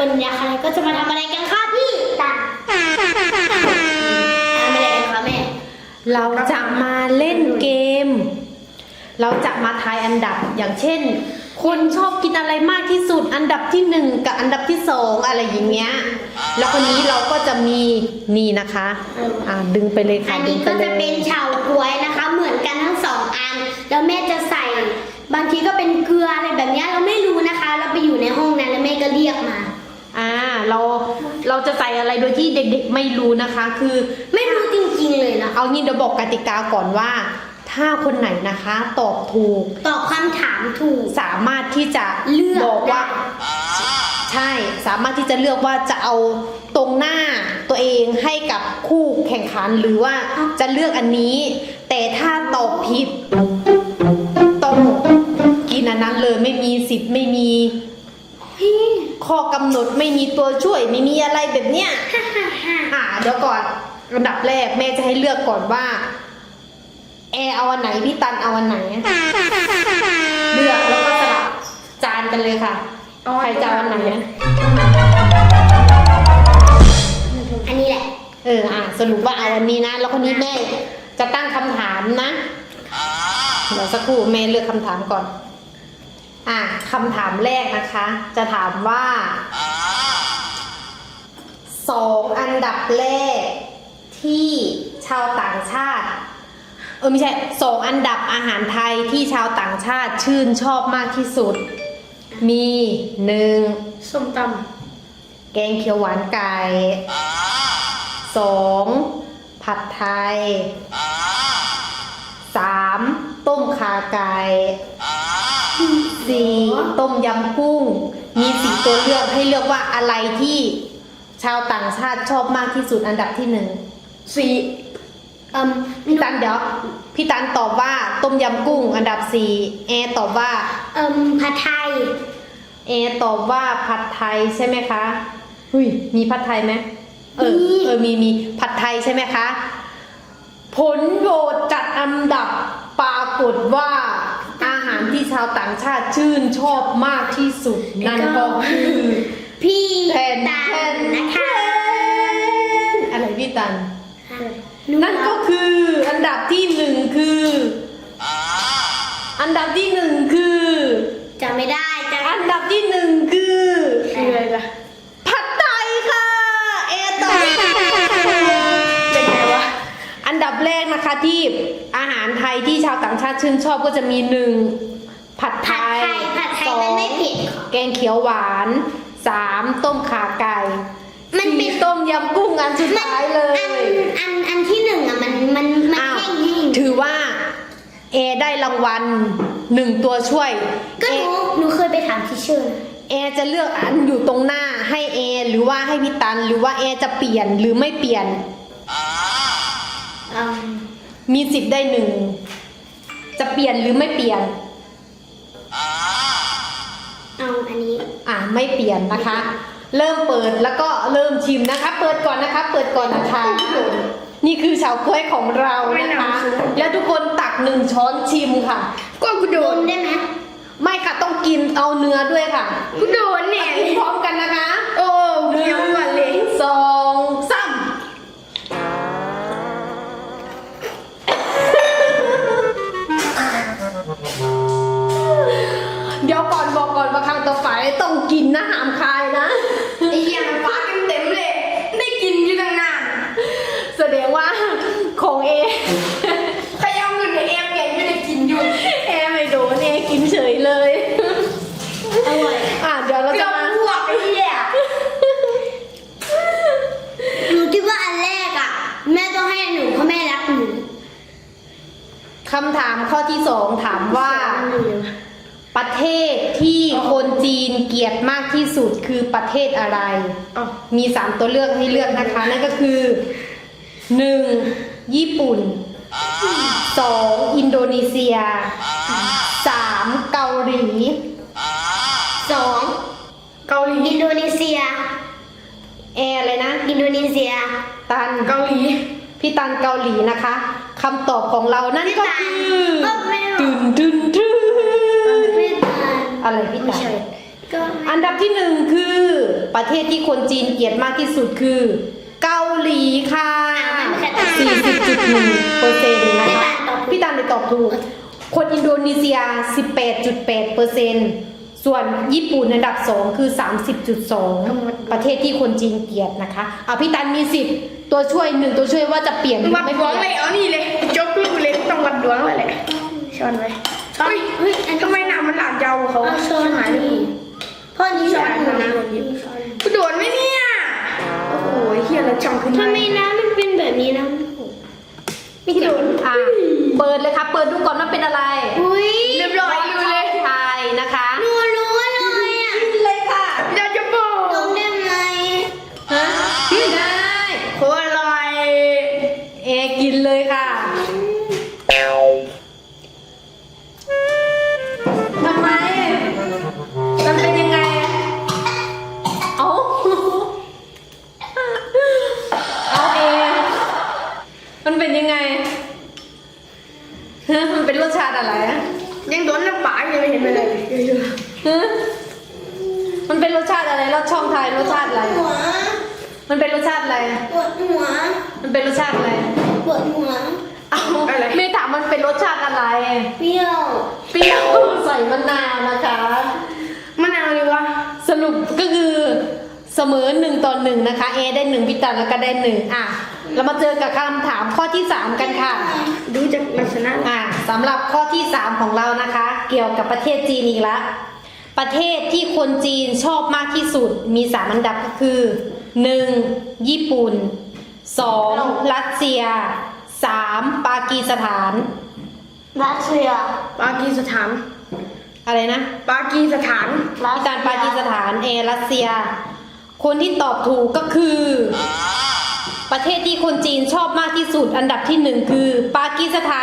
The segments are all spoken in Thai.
วันนี้ใครก็จะมาทำอะไรกันคะพี่ตันทำอะไรกันคะแม่เราจะมาเล่นเกมเราจะมาทายอันดับอย่างเช่นคนชอบกินอะไรมากที่สุดอันดับที่1กับอันดับที่2อะไรอย่างเงี้ยแล้วคนนี้เราก็จะมีนี่นะคะดึงไปเลยค่ะอันนี้ก็จะเป็นเฉาก๊วยนะคะเหมือนกันทั้ง2อันแล้วแม่จะใส่บางทีก็เป็นเกลืออะไรแบบนี้เราไม่รู้นะคะเราไปอยู่ในห้องนั้นแล้วแม่ก็เรียกมาเราจะใส่อะไรโดยที่เด็กๆไม่รู้นะคะคือไม่รู้จริงๆเลยนะเอางี้เดี๋ยวบอกกติกาก่อนว่าถ้าคนไหนนะคะตอบถูกตอบคำถามถูกสามารถที่จะเลือกบอกว่าใช่สามารถที่จะเลือกว่าจะเอาตรงหน้าตัวเองให้กับคู่แข่งขันหรือว่าจะเลือกอันนี้แต่ถ้าตอบผิดต้องกินอันนั้นเลยไม่มีสิทธิ์ไม่มีข้อกำหนดไม่มีตัวช่วยไม่มีอะไรแบบเนี้ยเดี๋ยวก่อนอันดับแรกแม่จะให้เลือกก่อนว่าเอาอันไหนพี่ตันเอาอันไหนเลือกแล้วก็สลับจานกันเลยค่ะใครจะเอาอันไหนอันนี้แหละสรุปว่าเอาอันนี้นะแล้วคนนี้แม่จะตั้งคำถามนะเดี๋ยวสักครู่แม่เลือกคำถามก่อนคำถามแรกนะคะจะถามว่า2อันดับแรกที่ชาวต่างชาติไม่ใช่2อันดับอาหารไทยที่ชาวต่างชาติชื่นชอบมากที่สุดมี1 ส้มตำแกงเขียวหวานไก่2ผัดไทย3ต้มข่าไก่4ต้มยำกุ้งมี4ตัวเลือกให้เลือกว่าอะไรที่ชาวต่างชาติชอบมากที่สุดอันดับที่1พี่ตันเดี๋ยวพี่ตันตอบว่าต้มยำกุ้งอันดับ4ตอบว่าผัดไทยตอบว่าผัดไทยใช่ไหมคะมีผัดไทยไหมมีผัดไทยใช่ไหมคะผลโหวตจัดอันดับปรากฏว่าอาหารที่ชาวต่างชาติชื่นชอบมากที่สุดนั่นก็คือพี่ตันนะคะอะไรพี่ตันนั่นก็คืออันดับที่1คืออันดับที่1คือจำไม่ได้อันดับที่1คืออะไรล่ะผัดไทยค่ะต่อเป็นไงวะอันดับแรกนะคะที่อาหารไทยที่ชาวต่างชาติชื่นชอบก็จะมี1ผัดไทย2แกงเขียวหวาน3ต้มข่าไก่มันเป็นต้มยำกุ้งอันสุดท้ายเลยอันที่1มันแห้งถือว่าได้รางวัล1ตัวช่วยก็หนูเคยไปถามทีเชอร์จะเลือกอันอยู่ตรงหน้าให้หรือว่าให้พี่ตันหรือว่าจะเปลี่ยนหรือไม่เปลี่ยนมีสิทธิ์ได้1จะเปลี่ยนหรือไม่เปลี่ยนเอาอันนี้ไม่เปลี่ยนนะคะเริ่มเปิดแล้วก็เริ่มชิมนะคะเปิดก่อนนะคะนี่คือเฉาก๊วยของเรานะคะแล้วทุกคนตัก1ช้อนชิมค่ะก็กูโดนได้ไหมไม่ค่ะต้องกินเอาเนื้อด้วยค่ะกูโดนเนี่ยพร้อมกันนะคะเคี้ยวก่อนเลย 2 3เดี๋ยวก่อนบอกก่อนว่าครั้งต่อไปต้องกินนะห้ามคายนะไอ้ยังฟ้าเต็มเลยได้กินอยู่ตั้งนานแสดงว่าของขยำเงินเปลี่ยนไม่ได้กินอยู่ไม่โดนกินเฉยเลยอร่อยเดี๋ยวเราจะมาพวกไอ้เนี่ยหนูคิดว่าอันแรกแม่ต้องให้หนูเพราะแม่รักหนูคำถามข้อที่2ถามว่าประเทศที่คนจีนเกลียดมากที่สุดคือประเทศอะไรมี3ตัวเลือกให้เลือกนะคะนั่นก็คือ1ญี่ปุ่น2อินโดนีเซีย3เกาหลี 2เกาหลีอินโดนีเซียอะไรนะอินโดนีเซียตันเกาหลีพี่ตันเกาหลีนะคะคำตอบของเรานั่นก็คืออะไรพี่ตันอัอันดับที่หนึ่งคือประเทศที่คนจีนเกลียดมากที่สุดคือเกาหลีค่ะ 40.1% นะคะพี่ตันเลยตอบถูก คนอินโดนีเซีย 18.8%ส่วนญี่ปุ่นอันดับ 2 คือ 30.2 ประเทศที่คนจีนเกลียดนะคะเอาพี่ตันมี10ตัวช่วย1ตัวช่วยว่าจะเปลี่ยนหรือวัดไม่ดเปวงลี่ยนเลยเอานี่เลยจกลูกเลยต้องวัดดวงเลยแหละช้อนไว้ช้อนเฮ้ยอันทำไมหนามันหลากยาวกว่าเขาเอาช้อนหายนี้พ่อนี้ช้อนหนูนะกูโดนไหมเนี่ยโอ้โหเฮียแล้วจังขึ้นทำไมน้ำมันเป็นแบบนี้นะไม่โดนอ่ะเปิดเลยค่ะเปิดดูก่อนว่าเป็นอะไรอุ้ยเรียบร้อยอยู่เลยไทยนะคะหนูรู้เลยอ่ะกินเลยค่ะอยากจะบอกลงได้ไหมฮะไม่ได้โคตรอร่อยเอกินเลยค่ะทำไมมันเป็นยังไงเอาเอาเอมันเป็นยังไงฮะมันเป็นรสชาติอะไรอะยังโดนน้ำปลายังไม่เห็นเลยฮะมันเป็นรสชาติอะไรรสช่องไทยรสชาติอะไรหัวมันเป็นรสชาติอะไรปวดหัวมันเป็นรสชาติอะไรปวดหัวเอาไม่ถามมันเป็นรสชาติอะไรเปรี้ยวเปรี้ยวใส่มะนาวนะคะมะนาวเลยวะสรุปก็คือเสมอ1-1นะคะเอได้1พี่ตันแล้วก็ได้1อ่ะเรามาเจอกับคำถามข้อที่3กันค่ะดูจากลักษณะอ่ะสำหรับข้อที่3ของเรานะคะ เกี่ยวกับประเทศจีนอีกแล้วประเทศที่คนจีนชอบมากที่สุดมี3อันดับก็คือ 1. ญี่ปุ่น 2. รัสเซีย 3. ปากีสถานรัสเซียปากีสถานอะไรนะปากีสถานพี่ตันปากีสถานเอรัสเซีย คนที่ตอบถูกก็คือ ประเทศที่คนจีนชอบมากที่สุด อันดับที่1คือปากีสถาน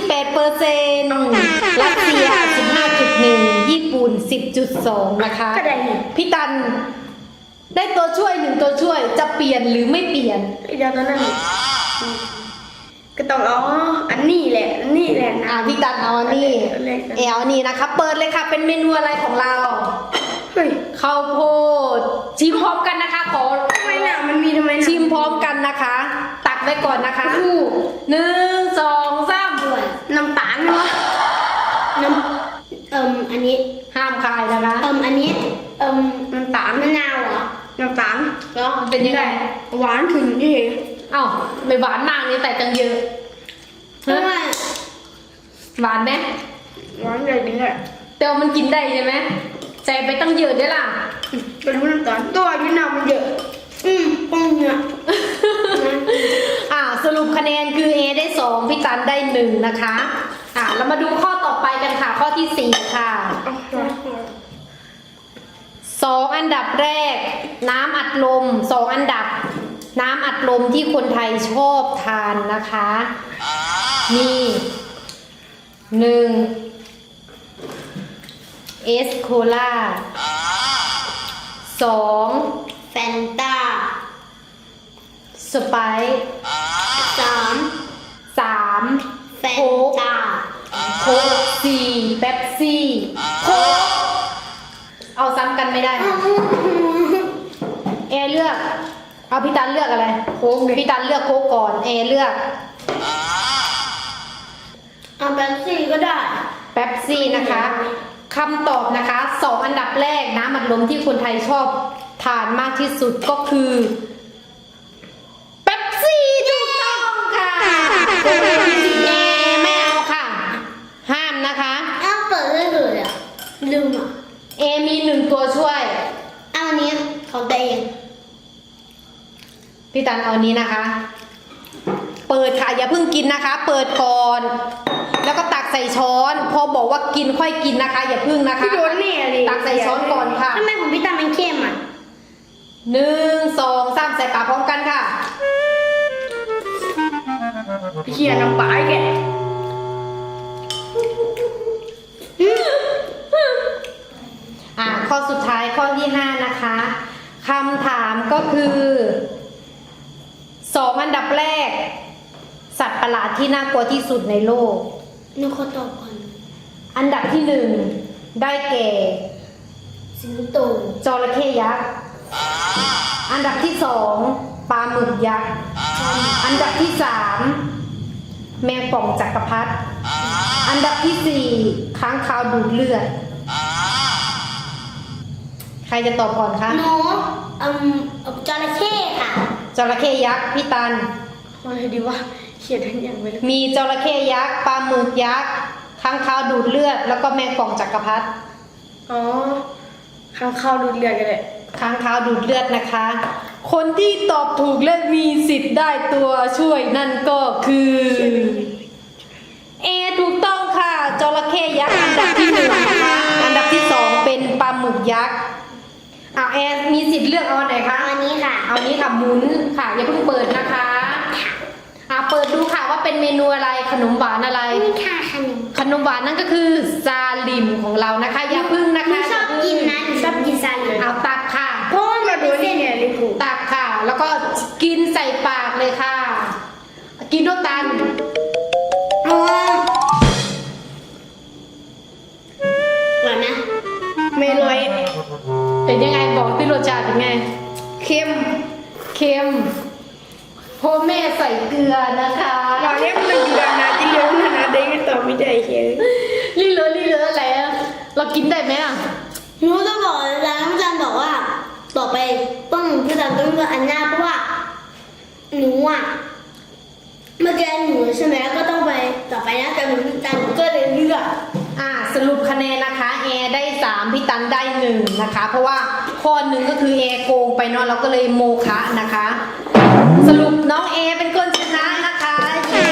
28%รัสเซีย 15.1 ญี่ปุ่น 10.2 นะคะก็ได้นี่พี่ตันได้ตัวช่วย1ตัวช่วยจะเปลี่ยนหรือไม่เปลี่ยนไอ้เจ้าตัวนั้นก็ต้องเอาอันนี้แหละอันนี้แหละนะพี่ตันเอาอันนี้เอลนี่นะคะ เปิดเลยค่ะเป็นเมนูอะไรของเราเฮ้ยข้าวโพดชิมพร้อมกันนะคะขอทำไมหนามันมีทำไมหนาชิมพร้อมกันนะคะ ตักไว้ก่อนนะคะคู่ 1 2 3 ด่วนน้ำตาลเนาะน้ำอันนี้ห้ามคายนะคะอันนี้น้ำตาลมะนาวเหรอน้ำตาลแล้วมันเป็นยังไงหวานถึงที่เอ้าไม่หวานมากนี่แต่จังเยอะเพราะว่าหวานไหมหวานใหญ่จริงเลยแต่ว่ามันกินได้ใช่ไหมใส่ไปตั้งเยอะได้ล่ะเป็นรู้น้ำตาลตัวพี่น้ำมันเยอะป้องเนี่ยสรุปคะแนนคือ A ได้2พี่ตันได้1นะคะเรามาดูข้อต่อไปกันค่ะ ข้อที่4ค่ะ 2 อันดับแรก น้ำอัดลม2อันดับ น้ำอัดลมที่คนไทยชอบทานนะคะมี1เอสโคลา2 แฟนตาสไปซ์ 3 3 แฟนตาโค้ก4เป๊ปซี่โค้กเอาซ้ำกันไม่ได้เอเลือกเอาพี่ตันเลือกอะไรโค้กพี่ตันเลือกโค้กก่อนเอเลือกเอาแบนซี่ก็ได้เป๊ปซี่นะคะคำตอบนะคะ2อันดับแรกน้ำอัดลมที่คนไทยชอบทานมากที่สุดก็คือเป๊ปซี่ถูกต้องค่ะโค้กเอไม่เอาค่ะ ห้ามนะคะอ้าวเปิดได้เลยอ่ะลืมอ่ะเอมี1ตัวช่วยเอาอันนี้ของตัวเองพี่ตันเอานี้นะคะ เปิดค่ะอย่าเพิ่งกินนะคะ เปิดก่อน แล้วก็ตักใส่ช้อน พอบอกว่ากินค่อยกินนะคะ อย่าเพิ่งนะคะพี่โดนเนี่ยดิตักใส่ช้อนก่อนค่ะทำไมของพี่ตามันเข้มอ่ะ 1 2 3ใส่ปากพร้อมกันค่ะพี่เขียนน้ำปลาแกข้อสุดท้ายข้อที่5นะคะคำถามก็คือ2อันดับแรก สัตว์ประหลาดที่น่ากลัวที่สุดในโลกหนูขอตอบก่อนอันดับที่1ได้แก่เสืสิงโตจระเข้ยักษ์อันดับที่สองปลาหมึกยักษ์อันดับที่สามแมงป่องจักรพรรดิอันดับที่สี่ค้างคาวดูดเลือด ใครจะตอบก่อนคะหนูจระเข้ค่ะจระเข้ยักษ์พี่ตันอะไรดีวะเขียนทั้งอย่างไปเลยมีจระเข้ยักษ์ปลาหมึกยักษ์ค้างคาวดูดเลือด แล้วก็แมงป่องจักรพรรดิอ๋อข้างเข้าดูดเลือดกันเลยค้างคาวดูดเลือดนะคะ คนที่ตอบถูกและมีสิทธิ์ได้ตัวช่วยนั่นก็คือถูกต้องค่ะจระเข้ยักษ์อันดับที่หนึ่งนะคะอันดับที่สองเป็นปลาหมึกยักษ์มีสิทธิ์เลือกเอาอันไหนคะเอาอันนี้ค่ะเอานี้ค่ะหมุนค่ะอย่าเพิ่งเปิดนะคะเปิดดูค่ะว่าเป็นเมนูอะไรขนมหวานอะไรนี่ค่ะขนมหวานนั่นก็คือซาลิมของเรานะคะอย่าเพึ่งนะหนูคะชอบกินนะหนูชอบกินซาลิมเอาตักค่ะเพราะว่ามันดูเป็นนี่เส้นไงลิฟูตักค่ะ แล้วก็กินใส่ปากเลยค่ะ กินด้วยกันอ๋อหวานนะไม่ลอยเป็นยังไงบอกที่รสชาติเป็นไงเค็มเค็มเพราะแม่ใส่เกลือนะคะเราเรียกมันอยู่แบบนาจิเลี้ยงนาเด้งต่อไม่ได้เขียนลี่เลอะอะไรอะเรากินได้ไหมอ่ะหนูจะบอกแล้วน้ำจันบอกว่าต่อไปต้องพี่จันต้องเลือกอันหน้าเพราะว่าหนูอ่ะเมื่อกี้หนูใช่ไหมก็ต้องไปต่อไปนะแต่พี่จันก็เลยเลือกสรุปคะแนนนะคะแอร์ได้3พี่ตันได้1นะคะ เพราะว่าข้อหนึ่งก็คือแอร์โกงไปเนาะเราก็เลยโมคะนะคะ สรุปน้องแอร์เป็นคนชนะนะคะเย้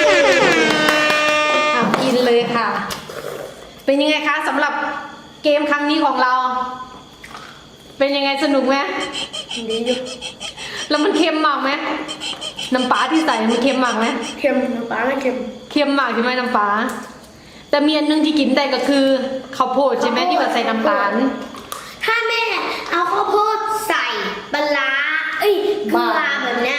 กินเลยค่ะ เป็นยังไงคะสำหรับเกมครั้งนี้ของเรา เป็นยังไงสนุกไหมดีอยู่แล้วมันเค็มมากไหมน้ำปลาที่ใส่มันเค็มมากไหมเค็มน้ำปลาไม่เค็มเค็มมากใช่ไหมน้ำปลาแต่มีอันนึงที่กินได้ก็คือข้าวโพดใช่ไหมที่แบบใส่น้ำตาลถ้าแม่เอาข้าวโพดใส่ปลาร้าเกลือแบบเนี้ย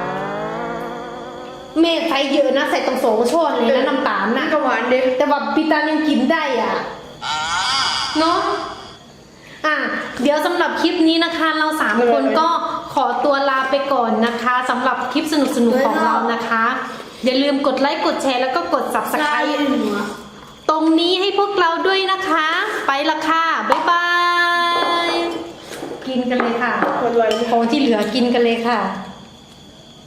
เมฆใส่เยอะนะใส่ตั้ง2 ช้อนเลยนะน้ำตาลน่านะก็หวานเด้แต่ว่าพี่ตาลยังกินได้อ่ะเนาะเดี๋ยวสำหรับคลิปนี้นะคะ เรา3 คนก็ขอตัวลาไปก่อนนะคะสำหรับคลิปสนุกๆของเรานะคะ อย่าลืมกดไลค์กดแชร์แล้วก็กด Subscribe ตรงนี้ให้พวกเราด้วยนะคะ ไปละค่ะบ๊ายบายกินกันเลยค่ะอร่อยของที่เหลือกินกันเลยค่ะ